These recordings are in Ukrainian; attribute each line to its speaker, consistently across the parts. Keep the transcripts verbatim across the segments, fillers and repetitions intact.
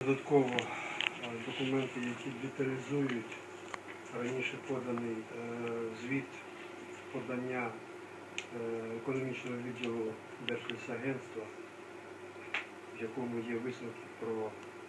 Speaker 1: Додатково документи, які деталізують раніше поданий звіт подання економічного відділу Держлісагентства, в якому є висновки про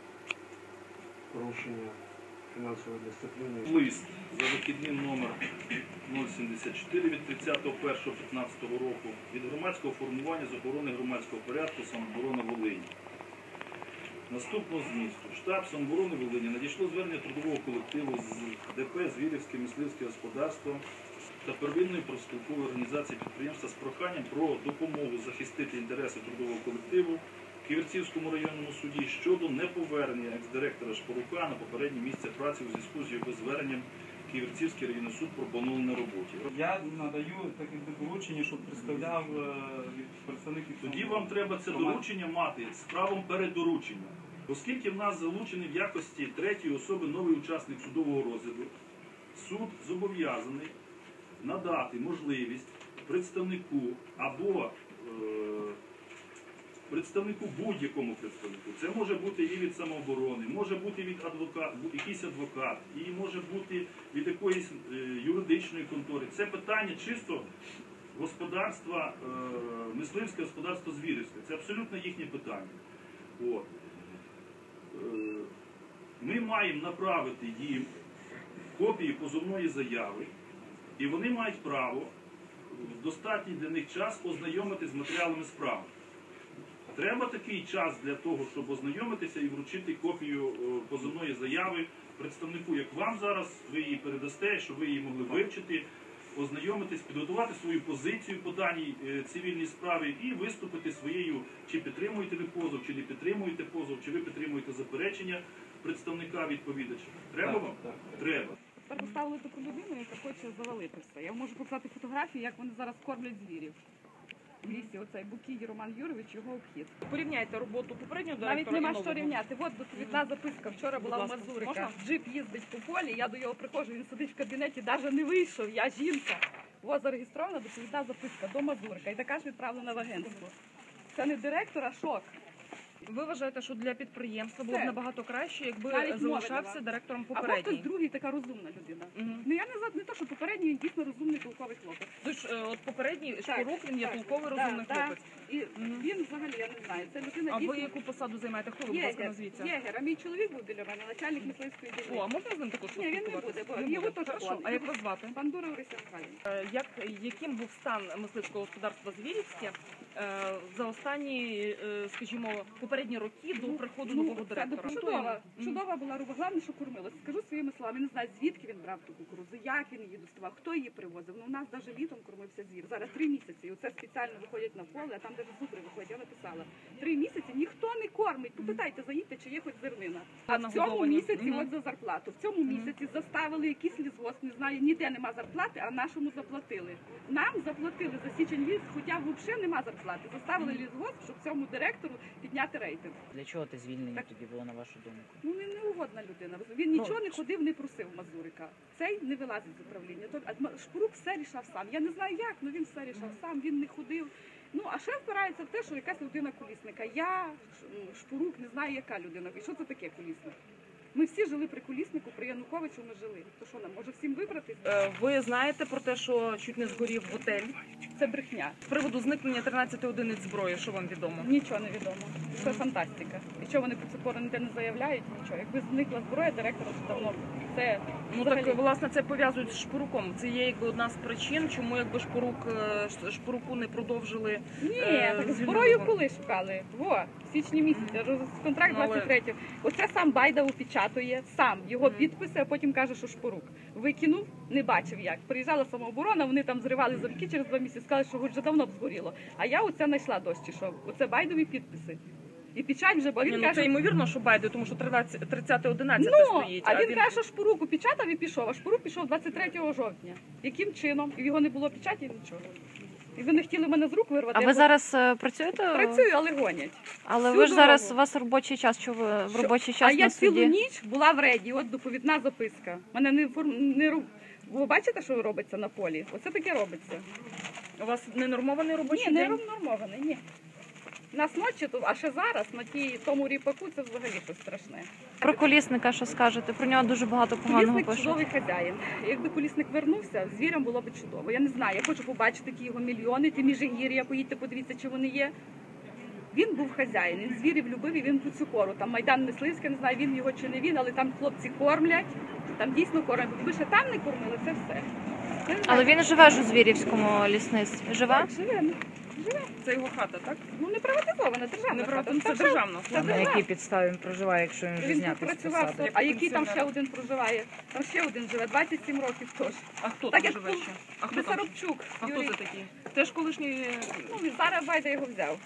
Speaker 1: порушення фінансової дисципліни.
Speaker 2: Лист за вихідним номер нуль сімдесят чотири від тридцятого першого п'ятнадцятого року від громадського формування з охорони громадського порядку самооборони Волині. Наступного змісту. Штаб самооборони Волині надійшло звернення трудового колективу з ДП «Звірівське мисливське господарство» та первинної профспілкової організації підприємства з проханням про допомогу захистити інтереси трудового колективу в Ківерцівському районному суді щодо неповернення екс-директора Шпорука на попереднє місце праці у зв'язку з його зверненням Ківерцівський районний суд про поновлення на роботі.
Speaker 3: Я надаю таке доручення, щоб представляв представників.
Speaker 2: Тоді вам треба це доручення мати з правом передоручення. Оскільки в нас залучений в якості третьої особи новий учасник судового розгляду, суд зобов'язаний надати можливість представнику або е, представнику, будь-якому представнику. Це може бути і від самооборони, може бути від адвокат, якийсь адвокат, і може бути від якоїсь е, юридичної контори. Це питання чисто господарства, е, мисливське господарство Звірівське. Це абсолютно їхнє питання. От. Е, ми маємо направити їм копії позовної заяви, і вони мають право в достатній для них час ознайомитися з матеріалами справи. Треба такий час для того, щоб ознайомитися і вручити копію позовної заяви представнику, як вам зараз, ви її передасте, щоб ви її могли вивчити, ознайомитись, підготувати свою позицію по даній цивільній справі і виступити своєю, чи підтримуєте ви позов, чи не підтримуєте позов, чи ви підтримуєте заперечення представника відповідача. Треба вам?
Speaker 3: Так, так.
Speaker 2: Треба.
Speaker 4: Тепер поставили таку людину, яка хоче завалити все. Я можу показати фотографії, як вони зараз кормлять звірів. В лісі оцей Букій Роман Юрович, його обхід.
Speaker 5: Порівняйте роботу попереднього директора.
Speaker 4: Навіть нема
Speaker 5: і
Speaker 4: що рівняти. От доповідна записка. Вчора була в Мазурика. Джип їздить по полі, я до його приходжу, він сидить в кабінеті, навіть не вийшов, я жінка. Ось зареєстрована доповідна записка до Мазурика. І така ж відправлена в агентство. Це не директор, а шок.
Speaker 5: Ви вважаєте, що для підприємства було б
Speaker 4: Це.
Speaker 5: набагато краще, якби
Speaker 4: Навіть
Speaker 5: залишався
Speaker 4: мови
Speaker 5: директором
Speaker 4: Або
Speaker 5: попередній?
Speaker 4: хтось другий, така розумна людина.
Speaker 5: Мгм.
Speaker 4: Ну я не за не то, що попередній, він дійсно розумний, толковий хлопець.
Speaker 5: Тож, е, от попередній
Speaker 4: Так,
Speaker 5: Шпорук, він є
Speaker 4: так,
Speaker 5: толковий,
Speaker 4: да,
Speaker 5: розумний
Speaker 4: да.
Speaker 5: хлопець.
Speaker 4: І
Speaker 5: Мгм.
Speaker 4: він взагалі, я не знаю, це людина
Speaker 5: А ви
Speaker 4: дійсно...
Speaker 5: яку посаду займаєте? Хто ви, будь ласка,
Speaker 4: Єгер,
Speaker 5: назвіться?
Speaker 4: єгер, а мій чоловік був біля мене, начальник мисливської
Speaker 5: О, а
Speaker 4: дільниці.
Speaker 5: можна з ним також
Speaker 4: Ні, він не
Speaker 5: поспілкуватися?
Speaker 4: буде, бо його теж
Speaker 5: Хорошо.
Speaker 4: план.
Speaker 5: А як вас звати?
Speaker 4: Бандура Орися Михайлівна.
Speaker 5: Е, Як, яким був стан мисливського господарства Звірівське е, за останні, е, скажімо, попередні роки до приходу нового
Speaker 4: це
Speaker 5: директора?
Speaker 4: чудова,
Speaker 5: Мгм.
Speaker 4: чудова була руба. Головне, що кормилось. Скажу своїми словами, не знаю, звідки він брав ту кукурудзу, як він її доставав, хто її привозив. Ну, у нас навіть літом кормився звір. Зараз три місяці. І оце спеціально виходять на поле, а там навіть зубри виходять. Я написала. Три місяці ніхто не кормить. Попитайте, заїдьте, чи є хоч зернина. А в цьому
Speaker 5: нагодовані.
Speaker 4: місяці,
Speaker 5: Мгм.
Speaker 4: от за зарплату, в цьому місяці заставили якийсь лісгосп, не знаю, ніде нема зарплати, а нашому заплатили. Нам заплатили за січень місяць, хоча взагалі нема зарплати. Заставили лісгосп, щоб цьому директору підняти рейтинг.
Speaker 6: Для чого ти звільнення
Speaker 4: Так.
Speaker 6: тоді було, на вашу думку?
Speaker 4: Ну, він неугодна людина. Він нічого не ходив, не просив Мазурика. Цей не вилазить з управління. Тобто, а М- Шпорук все рішав сам. Я не знаю як, але він все рішав сам, він не ходив. Ну, а ще впирається в те, що якась людина колісника. Я, Ш- Шпорук, не знаю, яка людина. І що це таке колісник? Ми всі жили при коліснику, при Януковичу ми жили. То що нам, може всім вибратись?
Speaker 5: Е, Ви знаєте про те, що чуть не згорів готель?
Speaker 4: Це брехня.
Speaker 5: З приводу зникнення тринадцяти одиниць зброї, що вам відомо?
Speaker 4: Нічого не відомо. Це фантастика. І чого вони про це пору ніде не заявляють, нічого. Якби зникла зброя, директора вже давно. Це
Speaker 5: Ну
Speaker 4: взагалі-
Speaker 5: так, власне, це пов'язують з Шпоруком. Це є якби одна з причин, чому якби Шпорук, е, Ш- Шпоруку не продовжили.
Speaker 4: Ні,
Speaker 5: Е,
Speaker 4: так
Speaker 5: звільнити
Speaker 4: зброю
Speaker 5: його.
Speaker 4: коли шукали? Во, в січні місяці, роз- контракт
Speaker 5: Ну, але-
Speaker 4: двадцять третього. Оце сам Байда опечатує, сам його
Speaker 5: Мгм.
Speaker 4: підписи, а потім каже, що Шпорук. Викинув, не бачив як. Приїжджала самооборона, вони там зривали замки через два місяці, сказали, що вже давно б згоріло. А я оце знайшла дощі, що оце Байдові підписи. І печать вже, бо він
Speaker 5: Ні, ну,
Speaker 4: каже...
Speaker 5: це ймовірно, що Байде, тому що тридцяте одинадцяте
Speaker 4: Ну,
Speaker 5: стоїть.
Speaker 4: а він каже, що Шпорук опечатав і пішов, а Шпорук пішов двадцять третього жовтня. Яким чином? І в його не було печаті, нічого. І ви не хотіли мене з рук вирвати.
Speaker 7: А
Speaker 4: я
Speaker 7: ви
Speaker 4: бо-
Speaker 7: зараз е, працюєте?
Speaker 4: Працюю, але гонять.
Speaker 7: Але
Speaker 4: всю
Speaker 7: ви ж зараз,
Speaker 4: дорогу.
Speaker 7: у вас робочий час, що ви в
Speaker 4: Що?
Speaker 7: робочий
Speaker 4: А
Speaker 7: час
Speaker 4: я
Speaker 7: на
Speaker 4: цілу
Speaker 7: суді?
Speaker 4: ніч була в реді, от доповідна записка. Мене не форм... не ру- Ви бачите, що робиться на полі? Оце таке робиться.
Speaker 5: У вас ненормований робочий
Speaker 4: Ні, не
Speaker 5: день?
Speaker 4: нормований, ні. нас ночі тут, а ще зараз на тій тому ріпаку це взагалі щось страшне.
Speaker 7: Про колісника що скажете? Про нього дуже багато поганого
Speaker 4: Колісник
Speaker 7: пишуть.
Speaker 4: чудовий хазяїн. Якби колісник вернувся, звірям було б чудово. Я не знаю, я хочу побачити ті його мільйони, ті міжгір'я, поїдьте, подивіться, чи вони є. Він був хазяїн, він звірів любив і він тут цю кору. Там Майдан Мисливський, не знаю, він його чи не він, але там хлопці кормлять, там дійсно кормлять. Якби ще там не кормили, це все. Я не знаю.
Speaker 7: Але він живе ж у Звірівському лісництві. Живе?
Speaker 4: Так, живе. Живе.
Speaker 5: Це його хата, так?
Speaker 4: Ну не приватизована, державна
Speaker 5: Не
Speaker 4: хата.
Speaker 5: приватизована, це
Speaker 4: Так,
Speaker 5: державна.
Speaker 4: Це
Speaker 6: На
Speaker 4: державна.
Speaker 6: якій підставі він проживає, якщо він вже
Speaker 4: Він тут
Speaker 6: знятий з
Speaker 4: працював,
Speaker 6: посади?
Speaker 4: а який там ще один проживає? Там ще один живе, двадцять сім років теж.
Speaker 5: А хто
Speaker 4: Так
Speaker 5: там
Speaker 4: як
Speaker 5: живе
Speaker 4: тут
Speaker 5: ще? А хто там?
Speaker 4: Бесарабчук.
Speaker 5: А хто
Speaker 4: Юрій.
Speaker 5: це такий? Теж колишній...
Speaker 4: Ну, він зараз Байда його взяв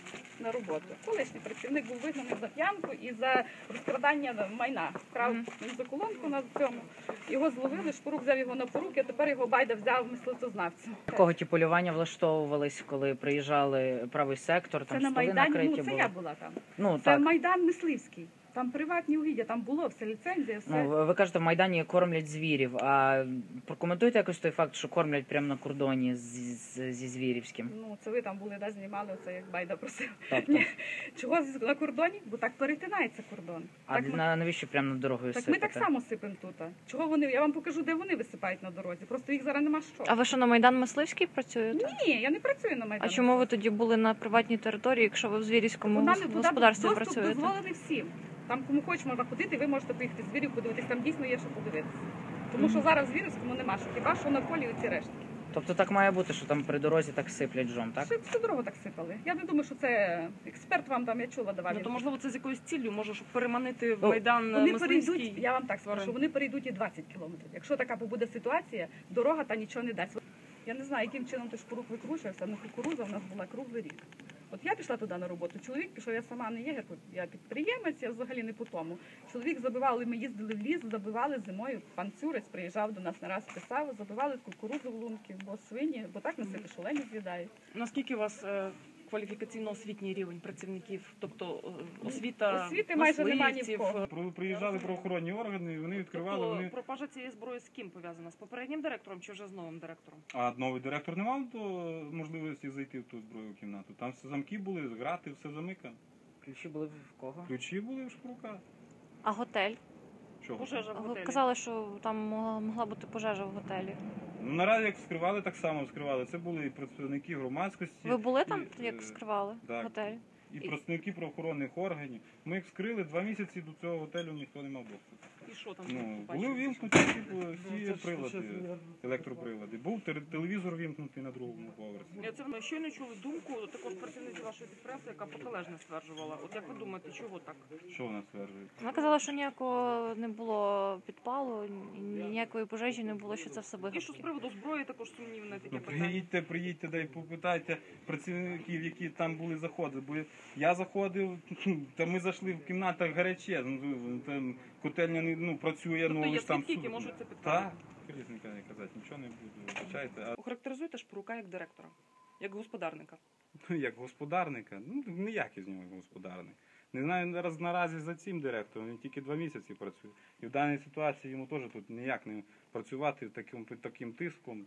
Speaker 4: на роботу. Колишній працівник був вигнаний за п'янку і за розкрадання майна. Вкрав
Speaker 7: Мгм.
Speaker 4: він за колонку на цьому. Його зловили, Шпорук взяв його на поруки, а тепер його Байда взяв мисливцезнавцю.
Speaker 6: Такого ті полювання влаштовувались, коли приїжджали правий сектор,
Speaker 4: Це
Speaker 6: там
Speaker 4: на
Speaker 6: столи
Speaker 4: Майдані,
Speaker 6: накриті
Speaker 4: ну це
Speaker 6: були.
Speaker 4: я була там.
Speaker 6: Ну
Speaker 4: Це
Speaker 6: так.
Speaker 4: Майдан Мисливський. Там приватні угіддя, там було все, ліцензія, все.
Speaker 6: Ну, ви- ви кажете, в Майдані кормлять звірів. А прокоментуйте якось той факт, що кормлять прямо на кордоні з, з- зі Звірівським.
Speaker 4: Ну, це ви там були, да, знімали, оце як Байда просив.
Speaker 6: Тобто,
Speaker 4: Ні. Чого з- на кордоні? Бо так перетинається кордон.
Speaker 6: а
Speaker 4: так, ми,
Speaker 6: на, навіщо прямо над дорогою
Speaker 4: так ми
Speaker 6: сипати?
Speaker 4: так само сипемо тут. Чого вони? Я вам покажу, де вони висипають на дорозі. Просто їх зараз нема що.
Speaker 7: А ви що на Майдан Мисливський працюєте?
Speaker 4: Ні, я не працюю на Майдані.
Speaker 7: А чому ви тоді були на приватній території, якщо ви в Звірівському
Speaker 4: Вона не туди
Speaker 7: господарстві
Speaker 4: доступ
Speaker 7: працюєте?
Speaker 4: дозволений всім. Там кому хоч можна ходити, ви можете поїхати звірів подивитись, там дійсно є що подивитися. Тому що зараз в Звірівському нема що, хіба що на полі оці рештки.
Speaker 6: Тобто так має бути, що там при дорозі так сиплять жом, так?
Speaker 4: Всю, всю дорогу так сипали. Я не думаю, що це експерт вам там, я чула, давав.
Speaker 5: Ну, то, можливо, це з якоюсь ціллю, може, щоб переманити в
Speaker 6: Ну,
Speaker 5: Майдан
Speaker 4: Вони
Speaker 5: Мисливський.
Speaker 4: перейдуть, я вам так скажу,
Speaker 5: тварин.
Speaker 4: що вони перейдуть і двадцять кілометрів. Якщо така буде ситуація, дорога та нічого не дасть. Я не знаю, яким чином той Шпорук викручувався, але кукуруза в нас була круглий рік. От я пішла туди на роботу, чоловік пішов, я сама не єгер, я підприємець, я взагалі не по тому. Чоловік забивали, ми їздили в ліс, забивали зимою, пан Цюрець приїжджав до нас не раз, писав, забивали кукурузу в лунки, бо свині, бо так насипи шолені з'їдають.
Speaker 5: Наскільки у вас е, кваліфікаційно-освітній рівень працівників? Тобто е, освіта
Speaker 4: Освіти майже немає ні в
Speaker 5: мисливців,
Speaker 4: кого.
Speaker 5: е,
Speaker 3: Про- Приїжджали правоохоронні органи, і вони відкривали.
Speaker 5: Тобто
Speaker 3: Вони...
Speaker 5: пропажа цієї зброї з ким пов'язана? З попереднім директором чи вже з новим директором?
Speaker 3: А новий директор не мав до можливості зайти в ту збройну кімнату. Там все замки були, грати, все замикано.
Speaker 6: Ключі були в кого?
Speaker 3: Ключі були в Шпорука.
Speaker 7: А готель?
Speaker 3: Чого?
Speaker 5: Пожежа в
Speaker 7: Ви
Speaker 5: готелі.
Speaker 7: казали, що там могла, могла бути пожежа в готелі.
Speaker 3: Ну, наразі як вскривали, так само вскривали. Це були і представники громадськості.
Speaker 7: Ви були там,
Speaker 3: і,
Speaker 7: як
Speaker 3: е,
Speaker 7: вскривали
Speaker 3: так.
Speaker 7: готель?
Speaker 3: І представники правоохоронних органів. Ми їх вскрили два місяці до цього готелю, ніхто не мав доступу.
Speaker 5: І що там?
Speaker 3: Ну,
Speaker 5: побачили?
Speaker 3: були вімкнуті всі, всі прилади, електроприлади. Був тер- телевізор вімкнутий на другому поверсі.
Speaker 5: Я це ми щойно чули думку також працівниці вашої підприємства, яка протилежне стверджувала. От як ви думаєте, чого так?
Speaker 3: Що вона стверджує?
Speaker 7: Вона казала, що ніякого не було підпалу, ні- ніякої пожежі не було, що це все
Speaker 5: І що з
Speaker 7: вигадки.
Speaker 5: приводу зброї також сумнівне таке
Speaker 3: Ну,
Speaker 5: питання.
Speaker 3: приїдьте, приїдьте, дай попитайте працівників, які там були заходи. Бо я заходив, та ми зайшли в кімнатах гаряче. Ну, там котельня не ну, працює,
Speaker 5: Тобто
Speaker 3: ну
Speaker 5: є
Speaker 3: ж там
Speaker 5: свідки, які
Speaker 3: суд.
Speaker 5: можуть це підтвердити?
Speaker 3: Так, різника не казати, нічого не буду. Вибачайте. А
Speaker 5: Охарактеризуйте Шпорука як директора, як господарника.
Speaker 3: ну, як господарника, ну ніякий з нього господарник. Не знаю зараз наразі за цим директором, він тільки два місяці працює. І в даній ситуації йому теж тут ніяк не працювати таким, під таким тиском,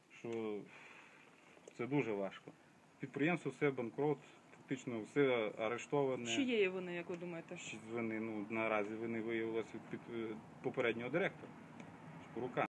Speaker 3: що це дуже важко. Підприємство все банкрот, фактично все арештоване.
Speaker 5: Чиєї вини, як ви думаєте?
Speaker 3: Вини, ну, наразі вони виявилися від під, е, попереднього директора Шпорука.